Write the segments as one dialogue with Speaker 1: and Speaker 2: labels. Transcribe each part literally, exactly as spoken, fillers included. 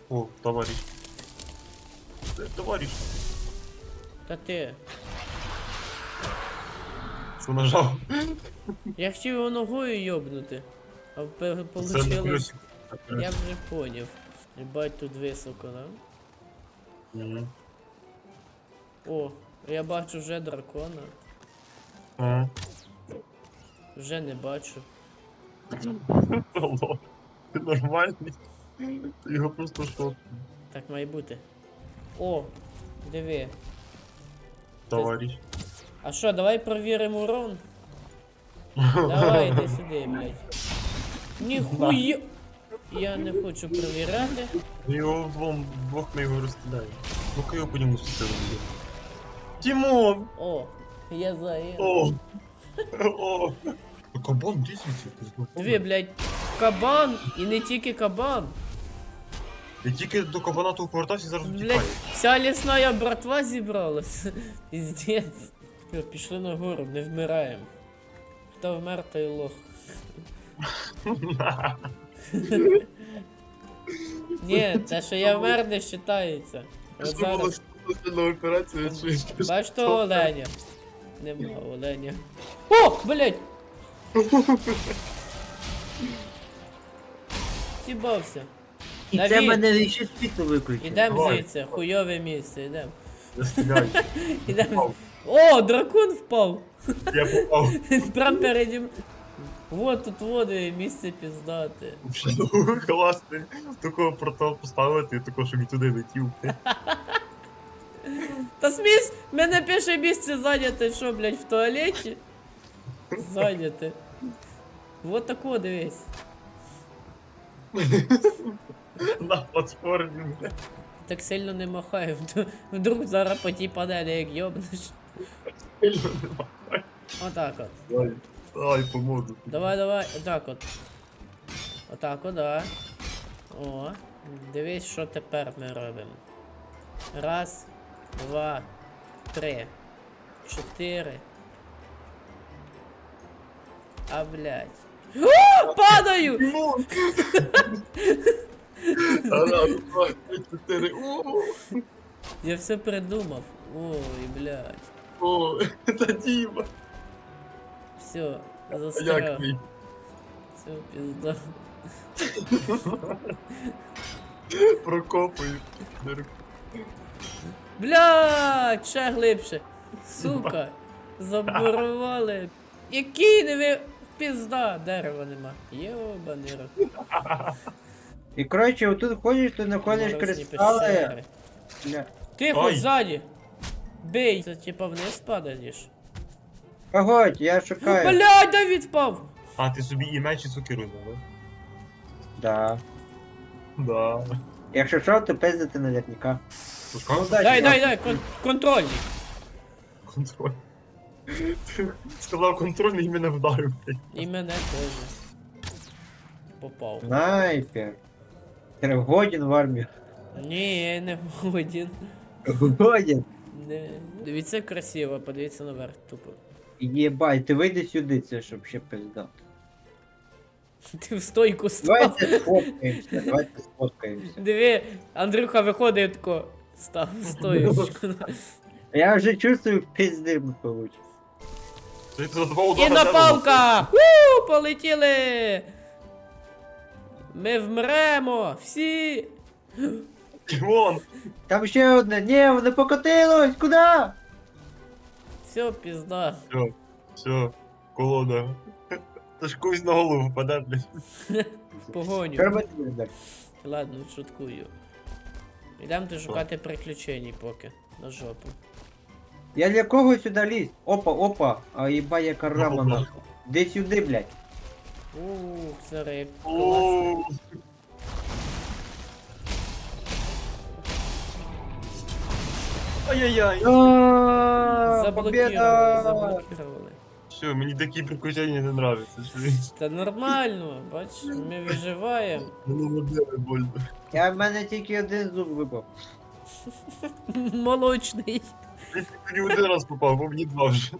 Speaker 1: О, товарищ. Э, Товарищ.
Speaker 2: Та ти.
Speaker 1: Що нажав?
Speaker 2: Я хотів його ногою йобнути. А пе-
Speaker 1: Це на
Speaker 2: получилось.
Speaker 1: колесику.
Speaker 2: Я вже поняв. Єбать тут високо, да?
Speaker 1: Мгм.
Speaker 2: О, я бачу вже дракона.
Speaker 1: Ага.
Speaker 2: Вже не бачу.
Speaker 1: Алло. Ти нормальний? Ти його просто шо?
Speaker 2: Так має бути. О, диви.
Speaker 1: Товарищ.
Speaker 2: А що, давай провіримо урон? Давай, іди сюди, блядь. Ніхуя! Я не хочу провіряти.
Speaker 1: Ми його вдвом, вдвох ми його розстріляємо. Ну-ка його по ньому стріляємо. Тимон!
Speaker 2: О, я заїв.
Speaker 1: О! О! А кабан десять.
Speaker 2: Диви, блядь, кабан і не тільки кабан.
Speaker 1: Я тільки до кабана того повертався і зараз
Speaker 2: Блядь,
Speaker 1: втікаю.
Speaker 2: вся лісна братва зібралась. Піздець. Все, пішли на гору, не вмираємо. Хто вмер, той лох. Ні, те, що я вмер, не вважається. От
Speaker 1: Що було
Speaker 2: зараз.
Speaker 1: спеціальна операція, що я скажу.
Speaker 2: Бач того оленя. Нема оленя. О, блядь! Сібався.
Speaker 3: І
Speaker 2: Давід.
Speaker 3: це мене ще світло виключить.
Speaker 2: Ідем
Speaker 1: Давай.
Speaker 2: звідси, хуйове місце, ідем.
Speaker 1: Я стріляю.
Speaker 2: Ідем.
Speaker 1: Попав.
Speaker 2: О, дракон впав!
Speaker 1: Я попав.
Speaker 2: Прям переді м- Вот тут води, місце піздати.
Speaker 1: Класний. Такого портал поставити, такого, щоб і туди летів.
Speaker 2: Та смісь, мене перше місце зайняте, що, блядь, в туалеті? Зайняте. Вот тако, дивись.
Speaker 1: На платформі, бля.
Speaker 2: Так сильно не махай, вд- вдруг зараз по тій панелі як йобнеш.
Speaker 1: Сильно нема.
Speaker 2: Отак от.
Speaker 1: Давай, давай, поможу.
Speaker 2: Давай, давай, отак от. Отак от, да. О, дивись, що тепер ми робимо. Раз, два, три, чотири. А, блядь. О, падаю!
Speaker 1: Раз, два, три, чотири. О,
Speaker 2: Я все придумав. Ой, блядь.
Speaker 1: о, це Діма.
Speaker 2: Все,
Speaker 1: А
Speaker 2: застряв.
Speaker 1: як мій?
Speaker 2: Все, пізда.
Speaker 1: Прокопую.
Speaker 2: Блядь, ще глибше. Сука, забурували. Який не ви... Пізда, дерева нема. Йобаний рот.
Speaker 3: І коротше, отут ходиш, ти знаходиш
Speaker 2: Морозні
Speaker 3: кристали.
Speaker 2: пещери.
Speaker 3: Бля.
Speaker 2: Тихо,
Speaker 1: Ой.
Speaker 2: ззаді. Бей. Це типа вниз падаєш.
Speaker 3: Погодь, я шукаю.
Speaker 2: Блядь, Давід впав.
Speaker 1: А, ти собі і меч і сокиру взяв,
Speaker 3: Да.
Speaker 1: да? Да.
Speaker 3: Якщо що, то пиздити наверняка.
Speaker 1: Пускай
Speaker 3: Ну, дай.
Speaker 2: Дай, дай, дай, кон контрольний.
Speaker 1: контроль. Ти сказав контрольний і мене вдарив.
Speaker 2: І мене теж. Попав.
Speaker 3: Снайпер. Ти годен в армію.
Speaker 2: Ні, я не один.
Speaker 3: Годен.
Speaker 2: Не. Дивіться красиво, подивіться наверх, тупо.
Speaker 3: Єбать, ти вийди сюди, це щоб ще пизда.
Speaker 2: Ти в стойку став.
Speaker 3: Давайте сфоткаємося, давайте сфоткаємося.
Speaker 2: Диви, Андрюха виходить тако. Став в стоєчку.
Speaker 3: Я вже чувствую, пизди ми получимо.
Speaker 1: Ти за два
Speaker 2: І
Speaker 1: удара
Speaker 2: напалка! Уу, полетіли! Ми вмремо! Всі!
Speaker 1: Тимон!
Speaker 3: Там ще одне, ні, воно покотилось, куди?
Speaker 2: Все, пізда.
Speaker 1: Все, все, колода. Та ж когось на голову впаде, блядь.
Speaker 3: Що
Speaker 2: Погоню.
Speaker 3: робити буде?
Speaker 2: Ладно, шуткую. Ідемо ти шукати приключень поки. На жопу.
Speaker 3: Я для кого сюди лізь? Опа, опа, а їба яка рама нахуй. Де сюди, блядь?
Speaker 2: Ух, зараз як класно.
Speaker 1: О, Ай-яй-яй.
Speaker 3: Ааа,
Speaker 2: Заблокували,
Speaker 3: победа!
Speaker 2: заблокували.
Speaker 1: Все, мені такі приключення не нравятся. Що він
Speaker 2: Та нормально, бач, ми виживаємо.
Speaker 1: мене набили больно.
Speaker 3: Я в мене тільки один зуб випав.
Speaker 2: Молочний.
Speaker 1: Я тільки не один раз попав, бо мені два вже.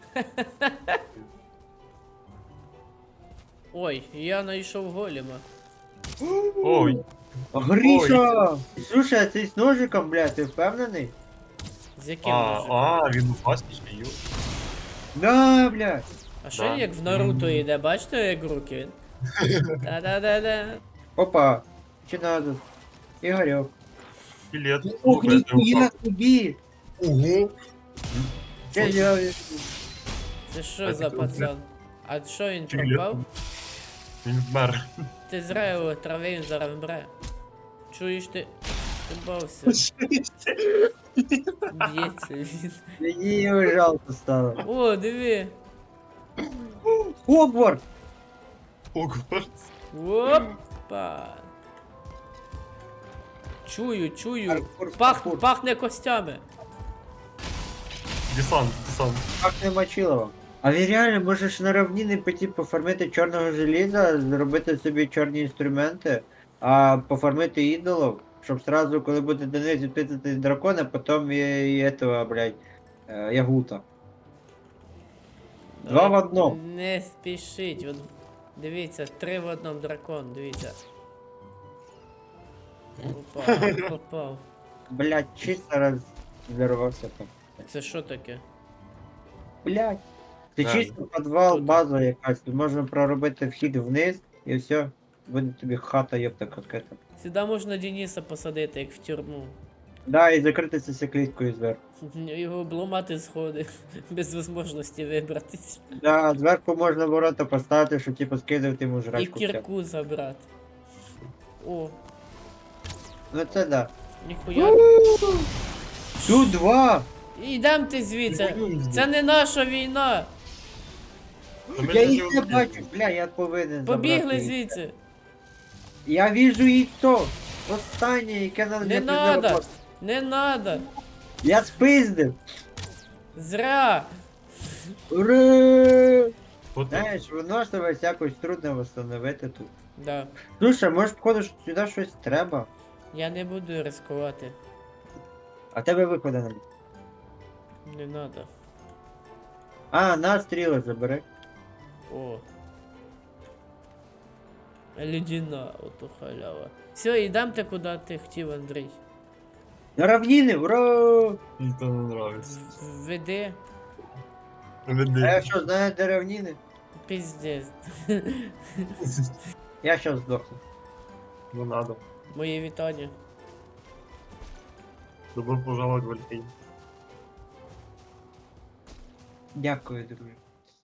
Speaker 2: Ой, я знайшов голема.
Speaker 1: Ой,
Speaker 3: Гриша! Слушай, а ти з ножиком, бля, ти впевнений?
Speaker 2: З яким
Speaker 1: А,
Speaker 2: ножем?
Speaker 1: а, він пластичний, ю.
Speaker 3: Да, бля.
Speaker 2: А що
Speaker 1: да.
Speaker 2: як в Наруто йде, бачите, як руки він? Да-да-да-да.
Speaker 3: Опа. Чи надо? Ігорьок.
Speaker 1: Білет.
Speaker 3: Ох,
Speaker 1: Ну, без
Speaker 3: ніхуя
Speaker 1: нього.
Speaker 3: собі!
Speaker 1: Ого.
Speaker 3: Це я...
Speaker 2: Це що
Speaker 1: А
Speaker 2: за
Speaker 1: ти
Speaker 2: пацан? А що він
Speaker 1: Чи білет?
Speaker 2: пропав?
Speaker 1: Він вмер.
Speaker 2: Ти зря його трави, він зараз вмре. Чуєш ти? Ти бався. Б'ється він.
Speaker 3: Мені його жалко стало.
Speaker 2: О, диви.
Speaker 3: Хогвартс!
Speaker 1: Хогвартс.
Speaker 2: Опа. Чую, чую.
Speaker 3: Паркур,
Speaker 2: Пах,
Speaker 3: паркур.
Speaker 2: пахне костями.
Speaker 1: Десант, десант.
Speaker 3: Пахне Мочилово. А він реально можеш на равніни піти пофармити чорного желіза, зробити собі чорні інструменти, а пофармити ідолов, щоб сразу, коли буде Денис відпитати дракона, потім і, і этого, блядь, е, Ягута. Два в одному.
Speaker 2: Не спішіть. От, дивіться, три в одному дракон, дивіться. Опа, попав.
Speaker 3: Блядь, чисто розірвався там.
Speaker 2: Це що таке?
Speaker 3: Блядь. Це
Speaker 1: Так.
Speaker 3: чисто підвал,
Speaker 2: Тут.
Speaker 3: база якась. Тут можна проробити вхід вниз і все. Буде тобі хата, ёпта, какая-то.
Speaker 2: Сюди можна Дениса посадити, як в тюрму.
Speaker 3: Да, і закритися цикліткою зверху.
Speaker 2: Його обламати сходи, без можливості вибратись.
Speaker 3: Да, зверху можна ворота поставити, щоб типу скидувати йому
Speaker 2: І
Speaker 3: жрачку. всяку.
Speaker 2: кірку забрати. О,
Speaker 3: Ну це да.
Speaker 2: ніхуя.
Speaker 3: Тут два!
Speaker 2: Ідем ти звідси.
Speaker 1: Воюємо.
Speaker 2: Це не наша війна.
Speaker 1: Та ми
Speaker 3: Я
Speaker 1: ж
Speaker 3: їх не
Speaker 1: його
Speaker 3: бачу, бля, я повинен
Speaker 2: Побігли
Speaker 3: забрати їх.
Speaker 2: звідси.
Speaker 3: Я вижу яйцо. Останнє, яке надо
Speaker 2: Не
Speaker 3: для
Speaker 2: надо.
Speaker 3: презервативу.
Speaker 2: Не надо.
Speaker 3: Я спиздив.
Speaker 2: Зря.
Speaker 3: Ура!
Speaker 1: От
Speaker 3: Знаєш, виносливість якось трудно восстановити тут.
Speaker 2: Да.
Speaker 3: Слушай, може, походу, що сюди щось треба.
Speaker 2: Я не буду ризикувати.
Speaker 3: А тебе виходу немає.
Speaker 2: Не надо.
Speaker 3: А, на стріли забери.
Speaker 2: О. Людина, ото халява. Все, йдемте куди ти хотів, Андрій.
Speaker 3: На равніни, ура!
Speaker 1: мені то не нравиться.
Speaker 2: В- Веди.
Speaker 3: А я
Speaker 1: Веди.
Speaker 3: що, знаю, де равніни?
Speaker 2: Піздець.
Speaker 3: Я щас здохну.
Speaker 1: Не надо.
Speaker 2: Моє вітання.
Speaker 1: Добро пожаловать в Альфейн.
Speaker 3: Дякую, друже.